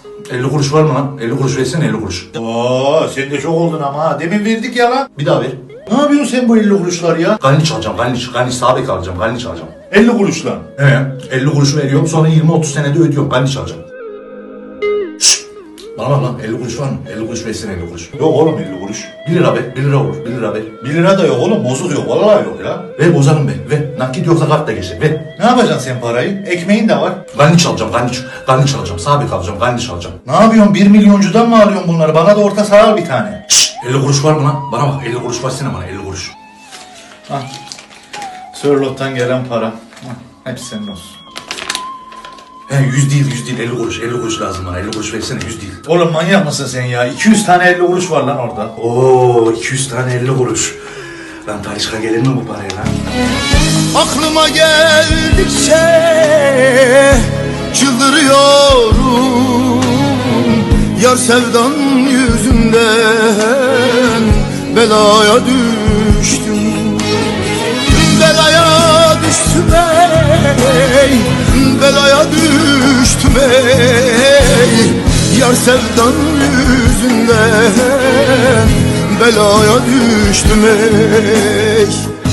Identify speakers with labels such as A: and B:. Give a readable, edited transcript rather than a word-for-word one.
A: 50 kuruş var mı lan? 50 kuruş versene 50 kuruş.
B: Oo, sen de çok oldun ama ha. Demin verdik ya lan.
A: Bir daha ver.
B: Ne yapıyorsun sen bu 50 kuruşlar ya?
A: Galiniç alacağım, galiniç sabit alacağım, galiniç alacağım.
B: 50 kuruş lan.
A: He, 50 kuruş veriyorum, sonra 20-30 senede ödüyorum, galiniç alacağım. Şşş! Bana bak lan, 50 kuruş var mı? 50 kuruş versene 50 kuruş.
B: Yok oğlum 50 kuruş.
A: 1 lira ver, 1 lira olur, 1 lira ver.
B: 1 lira da yok oğlum, bozuk yok, vallahi yok ya.
A: Ver bozarım ben, ver. Nakit yoksa kart da geçer, ver.
B: Ne yapacaksın sen parayı? Ekmeğin de var.
A: Galiniç alacağım, galiniç alacağım, sabit alacağım, galiniç alacağım.
B: Ne yapıyorsun? 1 milyoncudan mı alıyorsun bunları? Bana da orta saha al bir tane.
A: Şşş! 50 kuruş var mı lan? Bana bak, 50 kuruş versene bana, 50 kuruş.
B: Al. Sörlot'tan gelen para. Al, hepsi senin olsun.
A: He 100 değil, 50 kuruş, 50 kuruş lazım bana, 50 kuruş versene 100 değil.
B: Oğlum manyak mısın sen ya? 200 tane 50 kuruş var lan orada.
A: Oo 200 tane 50 kuruş. Lan Talişka gelir mi bu paraya lan?
C: Aklıma geldikçe çıldırıyorum. Yar sevdan yüzünden belaya düştüm. Belaya düştüm ey, belaya düştüm ey. Yar sevdan yüzünden belaya düştüm ey.